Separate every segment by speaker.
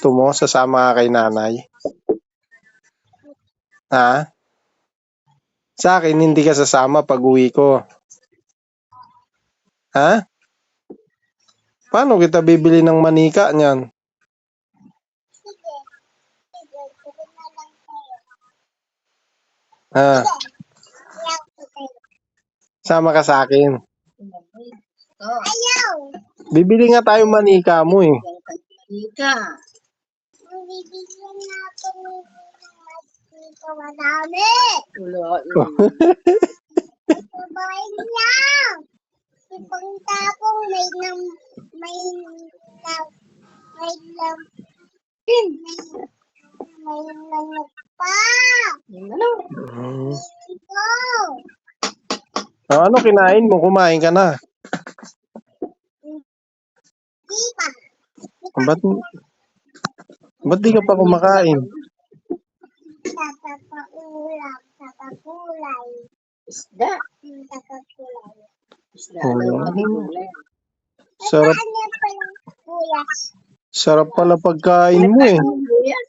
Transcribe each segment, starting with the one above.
Speaker 1: gusto mo? Sasama ka kay nanay? Ha? Sa akin, hindi ka sasama pag uwi ko. Ha? Paano kita bibili ng manika niyan?
Speaker 2: Sige. Sige, sige na lang sa'yo.
Speaker 1: Ha?
Speaker 2: Ayaw ko sa'yo.
Speaker 1: Sama ka sa akin.
Speaker 2: Ayaw!
Speaker 1: Bibili nga tayo manika mo eh.
Speaker 3: Ika.
Speaker 2: Ang bibigyan natin ng mas dito madami.
Speaker 3: Wala.
Speaker 2: Sabahin lang. Ibang tapong may lamok pa.
Speaker 3: Ano?
Speaker 2: Ito.
Speaker 1: Ano kinain mo? Kumain ka na.
Speaker 2: Di pa.
Speaker 1: Ba't di ka pa kumakain?
Speaker 2: Tatapaulam. Tatapulay.
Speaker 3: Isda.
Speaker 2: Tatapulay.
Speaker 3: Isda daw kami gulay.
Speaker 1: Sarap,
Speaker 2: Ano palang buyas?
Speaker 1: sarap pala pagkain mo eh.
Speaker 3: Buyas.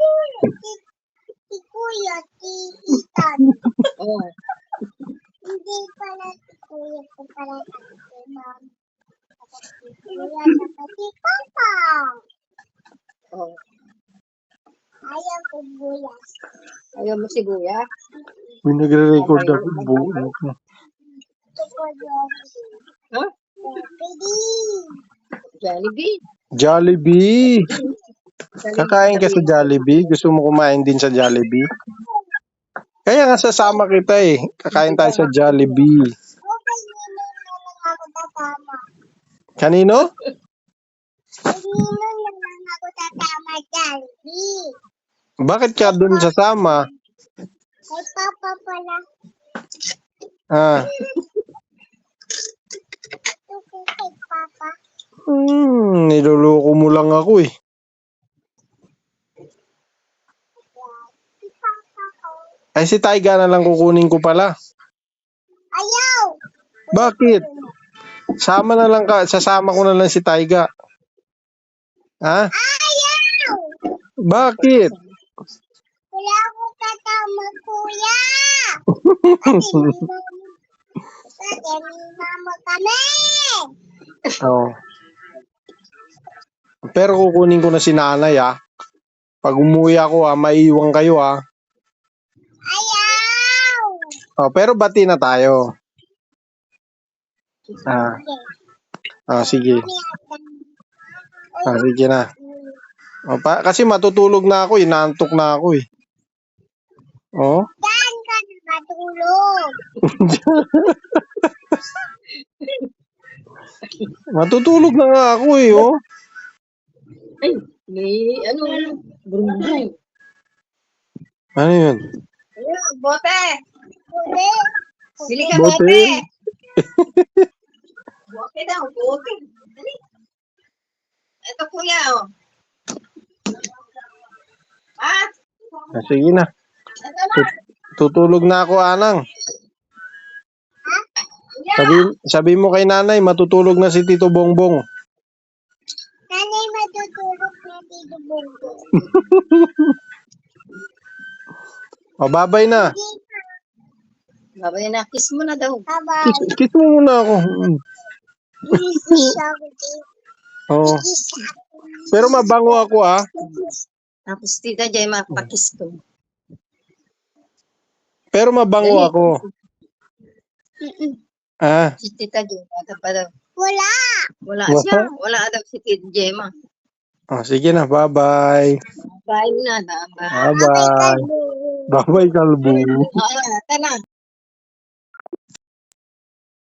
Speaker 2: Si Kuya, si Ethan.
Speaker 3: Oh.
Speaker 2: Hindi pala si Kuya, si pala si Mom. Si Kuya, si Papa.
Speaker 3: Oh.
Speaker 2: Ayaw ko buyas.
Speaker 3: Ayaw mo sibuyas?
Speaker 1: May nagre-record ako.
Speaker 2: Ito ko Jollibee.
Speaker 3: Ha?
Speaker 2: Jollibee.
Speaker 3: Jollibee.
Speaker 1: Jollibee! Kakain ka sa Jollibee? Gusto mo kumain din sa Jollibee? Kaya nga sasama kita eh. Kakain tayo sa Jollibee.
Speaker 2: Okay, Nino na lang ako tatama.
Speaker 1: Kanino?
Speaker 2: Nino na lang ako tatama Jollibee.
Speaker 1: Bakit ka dun sasama?
Speaker 2: Kay Papa pala.
Speaker 1: Ah,
Speaker 2: Ito kay Papa.
Speaker 1: niloloko mo lang ako eh.
Speaker 2: Si Papa ko.
Speaker 1: Ay si Taiga na lang kukunin ko pala.
Speaker 2: Ayaw!
Speaker 1: Bakit? Sasama ko na lang si Taiga. Ha?
Speaker 2: Ayaw!
Speaker 1: Bakit?
Speaker 2: Wala akong katama, Kuya! Kasi may mama kami!
Speaker 1: Oh. Pero kukunin ko na si nanay ah. Pag umuwi ako ah, maiiwan kayo ah.
Speaker 2: Ayaw!
Speaker 1: Oh, pero bati na tayo. Sige. Sige na. Kasi matutulog na ako, inaantok na ako eh. Oh.
Speaker 2: Saan ka na matulog?
Speaker 1: Matutulog na nga ako eh, oh.
Speaker 3: Ay, may bumbong.
Speaker 1: Ano yun?
Speaker 3: Ayun, bote.
Speaker 2: Uli.
Speaker 3: Bili ka
Speaker 1: Bote.
Speaker 3: bote. Bote daw, bote. Dali. Ito kuya, oh. Ah,
Speaker 1: Sige na.
Speaker 3: ito na.
Speaker 1: Tutulog na ako, Anang.
Speaker 3: Kuya.
Speaker 1: Sabi mo kay nanay, matutulog na si Tito Bongbong.
Speaker 2: Nanay matutulog na dito bungo.
Speaker 1: O, babay na.
Speaker 3: Babay na, kiss mo na daw.
Speaker 2: Bye-bye.
Speaker 1: Kiss mo muna ako.
Speaker 2: Kiss ako dito.
Speaker 1: Oo.
Speaker 2: Kiss ako.
Speaker 1: Pero mabango ako, ah.
Speaker 3: Tapos tita Jay, mapakiss ko.
Speaker 1: Pero mabango ako. Ah.
Speaker 3: Si tita Jay, ata pa daw.
Speaker 2: Wala.
Speaker 3: Wala siya. Wala daw si tita Jay, ma.
Speaker 1: Oh, sige na, bye-bye.
Speaker 3: Bye na, bye.
Speaker 1: Bye-bye. Bye-bye, kalbo.
Speaker 3: Oo, ito na.